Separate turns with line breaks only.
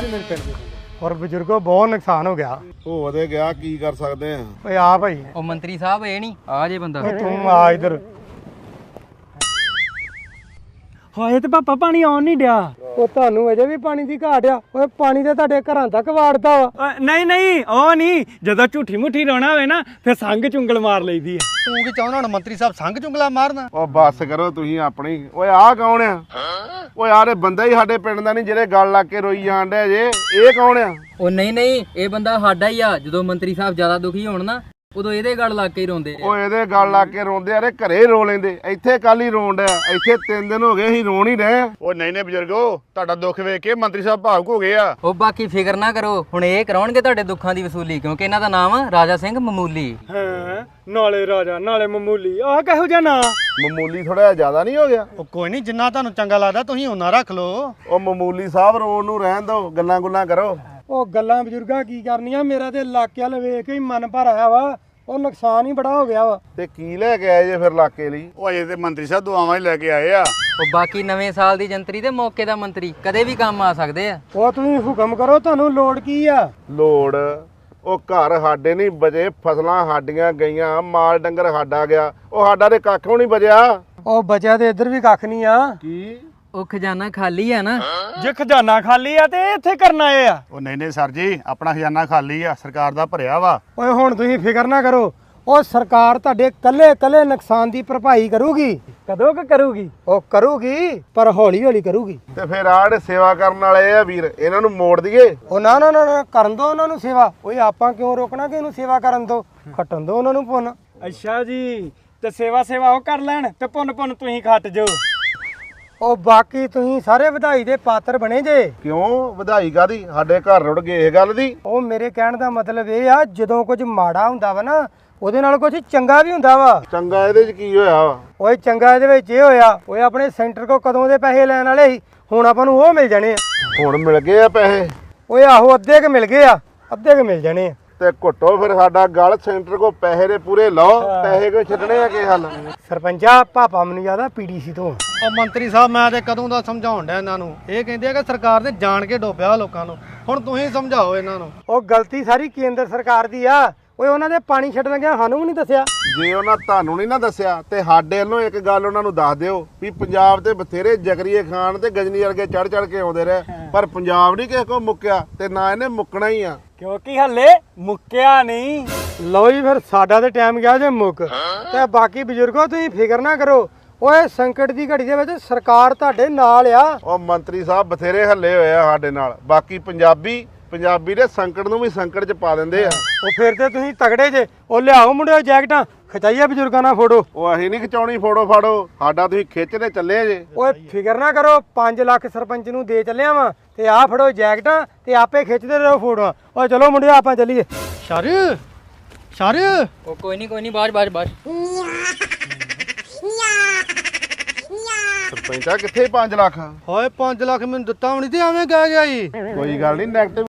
ਨੇ ਮੇਰੇ ਪਿੰਡ ਦੇ ਔਰ ਬਜ਼ੁਰਗੋ ਬਹੁਤ ਨੁਕਸਾਨ ਹੋ ਗਿਆ।
ਹੋ ਤੇ ਗਿਆ, ਕੀ ਕਰ ਸਕਦੇ ਆ।
ਓਏ ਆ ਭਾਈ,
ਉਹ ਮੰਤਰੀ ਸਾਹਿਬ ਇਹ ਨਹੀਂ ਆ ਜੇ ਬੰਦਾ।
ਤੂੰ ਆ ਇਧਰ।
ਹਾਏ ਤੇ ਪਾਪਾ ਪਾਣੀ ਆਉਣ ਨਹੀਂ ਡਿਆ।
ਉਹ ਤੁਹਾਨੂੰ ਅਜੇ ਵੀ ਪਾਣੀ ਦੀ ਘਾਟ ਆ। ਓਏ ਪਾਣੀ ਤੇ ਤੁਹਾਡੇ ਘਰਾਂ ਤੱਕ ਵਾੜਦਾ ਵਾ।
ਨਹੀਂ ਨਹੀਂ ਉਹ ਨਹੀਂ, ਜਦੋਂ ਝੂਠੀ ਮੁੱਠੀ ਰੋਣਾ ਹੋਵੇ ਨਾ ਫਿਰ ਸੰਗ ਚੁੰਗਲ ਮਾਰ ਲਈਦੀ ਆ।
ਤੂੰ ਕੀ ਚਾਹੁੰਦਾ ਹੁਣ ਮੰਤਰੀ ਸਾਹਿਬ ਸੰਗ ਚੁੰਗਲਾ ਮਾਰਨਾ?
ਉਹ ਬੱਸ ਕਰੋ ਤੁਸੀਂ ਆਪਣੀ। ਓਏ ਆਹ ਕੌਣ ਆ? ਓਏ ਯਾਰ ਇਹ ਬੰਦਾ ਹੀ ਸਾਡੇ ਪਿੰਡ ਦਾ ਨਹੀਂ ਜਿਹੜੇ ਗੱਲ ਲਾ ਕੇ ਰੋਈ ਜਾਣ ਡਿਆ ਜੇ। ਇਹ ਕੌਣ ਆ?
ਉਹ ਨਹੀਂ ਇਹ ਬੰਦਾ ਸਾਡਾ ਹੀ ਆ। ਜਦੋਂ ਮੰਤਰੀ ਸਾਹਿਬ ਜ਼ਿਆਦਾ ਦੁਖੀ ਹੋਣ ਨਾ ਉਦੋਂ ਇਹਦੇ ਗੱਲ ਲੱਗ ਕੇ ਹੀ ਰੋਂਦੇ ਆ।
ਓਏ ਇਹਦੇ ਗੱਲ ਲਾ ਕੇ ਰੋਂਦੇ ਆ, ਘਰੇ ਰੋ ਲੈਂਦੇ। ਇੱਥੇ ਕੱਲ ਹੀ ਰੋਣ ਡਿਆ। ਇੱਥੇ 3 ਦਿਨ ਹੋ ਗਏ ਅਸੀਂ ਰੋਣ ਹੀ ਰਹੇ।
ਉਹ ਨਹੀਂ ਬਜ਼ੁਰਗੋ, ਤੁਹਾਡਾ ਦੁੱਖ ਵੇਖ ਕੇ ਮੰਤਰੀ ਸਾਹਿਬ ਭਾਵੁਕ ਹੋ ਗਏ ਆ।
ਉਹ ਬਾਕੀ ਫਿਕਰ ਨਾ ਕਰੋ, ਹੁਣ ਇਹ ਕਰਾਉਣਗੇ ਤੁਹਾਡੇ ਦੁੱਖਾਂ ਦੀ ਵਸੂਲੀ, ਕਿਉਂਕਿ ਇਹਨਾਂ ਦਾ ਨਾਮ ਆ ਰਾਜਾ ਸਿੰਘ ਮਾਮੂਲੀ।
ਹਾਂ, ਨਾਲੇ ਰਾਜਾ ਨਾਲੇ ਮਾਮੂਲੀ, ਆਹ ਕਿਹੋ ਜਿਹਾ ਨਾਂ?
ਮਾਮੂਲੀ ਥੋੜਾ ਜਿਆਦਾ ਨਹੀਂ ਹੋ ਗਿਆ?
ਉਹ ਕੋਈ ਨਹੀਂ, ਜਿੰਨਾ ਤੁਹਾਨੂੰ ਚੰਗਾ ਲੱਗਦਾ ਤੁਸੀਂ ਉਹਨਾਂ ਰੱਖ ਲਓ।
ਉਹ ਮਾਮੂਲੀ ਸਾਹਿਬ ਰੋਣ ਨੂੰ ਰਹਿਣ ਦਿਓ, ਗੱਲਾਂ ਗੁੱਲਾਂ ਕਰੋ।
ਉਹ ਗੱਲਾਂ ਬਜ਼ੁਰਗਾਂ ਕੀ ਕਰਨੀਆਂ, ਮੇਰਾ ਤੇ ਇਲਾਕੇ ਵੱਲ ਵੇਖ ਕੇ ਹੀ ਮਨ ਭਰ ਆਇਆ ਵਾ। ਉਹ ਨੁਕਸਾਨ ਹੀ ਬੜਾ ਹੋ ਗਿਆ ਵਾ।
ਤੇ ਕੀ ਲੈ ਕੇ ਆਏ ਜੇ ਫਿਰ ਇਲਾਕੇ ਲਈ?
ਉਹ ਅਜੇ ਤੇ ਮੰਤਰੀ ਸਾਹਿਬ ਦੁਆਵਾਂ ਹੀ ਲੈ ਕੇ ਆਏ ਆ।
ਉਹ ਬਾਕੀ ਨਵੇਂ ਸਾਲ ਦੀ ਜੰਤਰੀ ਤੇ ਮੌਕੇ ਦਾ ਮੰਤਰੀ ਕਦੇ ਵੀ ਕੰਮ ਆ ਸਕਦੇ ਆ।
ਉਹ ਤੁਸੀਂ ਹੁਕਮ ਕਰੋ, ਤੁਹਾਨੂੰ ਲੋੜ ਕੀ ਆ?
ਲੋੜ? ਉਹ ਘਰ ਸਾਡੇ ਨਹੀਂ ਬਜੇ, ਫਸਲਾਂ ਸਾਡੀਆਂ ਗਈਆਂ, ਮਾਲ ਡੰਗਰ ਸਾਡਾ ਗਿਆ। ਉਹ ਸਾਡਾ ਤੇ ਕੱਖ ਵੀ ਨਹੀਂ ਬਜਿਆ।
ਉਹ ਬਚਿਆ ਤੇ ਇੱਧਰ ਵੀ ਕੱਖ ਨਹੀਂ ਆ।
ਕੀ?
ਉਹ ਖਜ਼ਾਨਾ ਖਾਲੀ ਆ ਨਾ।
ਜੇ ਖਜ਼ਾਨਾ ਖਾਲੀ ਆ ਤੇ ਇੱਥੇ ਕਰਨ ਆਏ ਆ।
ਉਹ ਨਹੀਂ ਸਰ ਜੀ, ਆਪਣਾ ਖਜ਼ਾਨਾ ਖਾਲੀ ਆ, ਸਰਕਾਰ ਦਾ ਭਰਿਆ ਵਾ।
ਓਏ ਹੁਣ ਤੁਸੀਂ ਫਿਕਰ ਨਾ ਕਰੋ, ਉਹ ਸਰਕਾਰ ਤੁਹਾਡੇ ਕੱਲੇ ਨੁਕਸਾਨ ਦੀ ਭਰਪਾਈ ਕਰੂਗੀ।
ਕਦੋਂ ਕ ਕਰੂਗੀ?
ਉਹ ਕਰੂਗੀ, ਪਰ ਹੌਲੀ ਹੌਲੀ ਕਰੂਗੀ।
ਤੇ ਫਿਰ ਆੜੇ ਸੇਵਾ ਕਰਨ ਵਾਲੇ ਆ ਵੀਰ, ਇਹਨਾਂ ਨੂੰ ਮੋੜ ਦਈਏ।
ਉਹ ਨਾ ਨਾ ਨਾ ਕਰਨ ਦੋ ਉਹਨਾਂ ਨੂੰ ਸੇਵਾ। ਓਏ ਆਪਾਂ ਕਿਉਂ ਰੋਕਣਾ ਕਿ ਇਹਨੂੰ ਸੇਵਾ ਕਰਨ ਦੋ, ਖੱਟਣ ਦੋ ਉਹਨਾਂ ਨੂੰ ਪੁੰਨ।
ਅੱਛਾ ਜੀ, ਤੇ ਸੇਵਾ ਉਹ ਕਰ ਲੈਣ ਤੇ ਪੁੰਨ ਤੁਸੀਂ ਖੱਟ ਜਾਓ।
ਉਹ ਬਾਕੀ ਤੁਸੀਂ ਸਾਰੇ ਵਧਾਈ ਦੇ ਪਾਤਰ ਬਣੇ ਜੇ।
ਕਿਉਂ ਵਧਾਈ ਕਾਦੀ? ਸਾਡੇ ਘਰ ਰੁੜ ਗਏ ਇਹ ਗੱਲ ਦੀ।
ਉਹ ਮੇਰੇ ਕਹਿਣ ਦਾ ਮਤਲਬ ਇਹ ਆ, ਜਦੋਂ ਕੁਝ ਮਾੜਾ ਹੁੰਦਾ ਵਾ ਨਾ ਉਹਦੇ ਨਾਲ ਕੁਝ ਚੰਗਾ ਵੀ ਹੁੰਦਾ ਵਾ।
ਚੰਗਾ ਇਹਦੇ ਚ ਕੀ ਹੋਇਆ ਵਾ?
ਓਏ ਚੰਗਾ ਇਹਦੇ ਵਿੱਚ ਇਹ ਹੋਇਆ, ਓਏ ਆਪਣੇ ਸੈਂਟਰ ਕੋ ਕਦੋਂ ਦੇ ਪੈਸੇ ਲੈਣ ਵਾਲੇ ਸੀ, ਹੁਣ ਆਪਾਂ ਨੂੰ ਉਹ ਮਿਲ ਜਾਣੇ ਆ।
ਹੁਣ ਮਿਲ ਗਏ ਆ ਪੈਸੇ?
ਓਏ ਆਹੋ, ਅੱਧੇ ਕ ਮਿਲ ਗਏ ਆ, ਅੱਧੇ ਕ ਮਿਲ ਜਾਣੇ ਆ।
ਤੇ ਘੁੱਟੋ ਫਿਰ ਸਾਡਾ ਗਲ ਸੈਂਟਰ ਕੋ ਪੈਸੇ ਦੇ ਪੂਰੇ ਲਓ। ਪੈਸੇ ਕੋਈ ਛੱਡਣੇ ਆ ਕੀ ਹੱਲ?
ਸਰਪੰਚਾ ਪਾਪਾ ਮੈਨੂੰ ਜ਼ਿਆਦਾ ਪੀਡੀਸੀ ਤੋਂ।
ਉਹ ਮੰਤਰੀ ਸਾਹਿਬ ਮੈਂ ਤੇ ਕਦੋਂ ਦਾ ਸਮਝਾਉਣ ਡਿਆ ਇਹਨਾਂ ਨੂੰ। ਇਹ ਕਹਿੰਦੇ ਆ ਕਿ ਸਰਕਾਰ ਨੇ ਜਾਣ ਕੇ ਡੋਬਿਆ ਲੋਕਾਂ ਨੂੰ। ਹੁਣ ਤੁਸੀਂ ਸਮਝਾਓ ਇਹਨਾਂ ਨੂੰ।
ਉਹ ਗਲਤੀ ਸਾਰੀ ਕੇਂਦਰ ਸਰਕਾਰ ਦੀ ਆ। ਓਏ ਉਹਨਾਂ ਦੇ ਪਾਣੀ ਛੱਡਣ ਲੱਗਿਆ ਸਾਨੂੰ ਵੀ ਨਹੀਂ ਦੱਸਿਆ।
ਜੇ ਉਹਨਾਂ ਤੁਹਾਨੂੰ ਨਹੀਂ ਨਾ ਦੱਸਿਆ ਤੇ ਸਾਡੇ ਵੱਲੋਂ ਇੱਕ ਗੱਲ ਉਹਨਾਂ ਨੂੰ ਦੱਸ ਦਿਓ ਵੀ ਪੰਜਾਬ ਤੇ ਬਥੇਰੇ ਜਗਰੀਏ ਖਾਨ ਤੇ ਗਜਨੀ ਵਰਗੇ ਚੜ ਕੇ ਆਉਂਦੇ ਰਹੇ, ਪਰ ਪੰਜਾਬ ਨਹੀਂ ਕਿਸੇ ਕੋ ਮੁੱਕਿਆ ਤੇ ਨਾ ਇਹਨੇ ਮੁੱਕਣਾ ਹੀ ਆ।
ਕਿਉਂਕਿ ਹੱਲੇ ਮੁੱਕਿਆ ਨਹੀਂ।
ਲਓ ਜੀ, ਫਿਰ ਸਾਡਾ ਤੇ ਟਾਈਮ ਗਿਆ ਜੇ ਮੁੱਕ। ਤੇ ਬਾਕੀ ਬਜ਼ੁਰਗੋ ਤੁਸੀਂ ਫਿਕਰ ਨਾ ਕਰੋ, ਓਏ ਸੰਕਟ ਦੀ ਘੜੀ ਦੇ ਵਿੱਚ ਸਰਕਾਰ ਤੁਹਾਡੇ ਨਾਲ ਆ।
ਉਹ ਮੰਤਰੀ ਸਾਹਿਬ ਬਥੇਰੇ ਹੱਲੇ ਹੋਏ ਆ ਸਾਡੇ ਨਾਲ। ਬਾਕੀ ਪੰਜਾਬੀ ਦੇ ਸੰਕਟ ਨੂੰ ਵੀ ਸੰਕਟ 'ਚ ਪਾ ਦਿੰਦੇ ਆ।
ਉਹ ਫਿਰ ਤੇ ਤੁਸੀਂ ਤਗੜੇ ਜੇ। ਉਹ ਲਿਆਓ ਮੁੰਡਿਓ ਜੈਕਟਾਂ, ਖਚਾਈਏ ਬਜ਼ੁਰਗਾਂ ਨਾਲ ਫੋਟੋ।
ਉਹ ਅਸੀਂ ਨਹੀਂ ਖਿਚਾਉਣੀ ਫੋਟੋ ਫਾੜੋ, ਸਾਡਾ ਤੁਸੀਂ ਖਿੱਚਦੇ ਚੱਲੇ ਜੇ।
ਓਏ ਫਿਕਰ ਨਾ ਕਰੋ, 5 ਲੱਖ ਸਰਪੰਚ ਨੂੰ ਦੇ ਚੱਲਿਆ ਵਾਂ ਤੇ ਆਹ ਫੜੋ ਜੈਕਟਾਂ ਤੇ ਆਪੇ ਖਿੱਚਦੇ ਰਹੋ ਫੋਟੋਆਂ। ਓਏ ਚਲੋ ਮੁੰਡਿਓ ਆਪਾਂ ਚੱਲੀਏ।
ਸ਼ਰ
ਉਹ ਕੋਈ ਨਹੀਂ ਬਾਜ।
ਸਰਪੰਚਾ ਕਿੱਥੇ 5 ਲੱਖ?
ਹੋਏ 5 ਲੱਖ ਮੈਨੂੰ ਦਿੱਤਾ ਵੀ ਨਹੀਂ ਤੇ ਐਵੇਂ ਕਹਿ ਗਿਆ ਜੀ।
ਕੋਈ ਗੱਲ ਨਹੀਂ, ਨੈਗੇਟਿਵ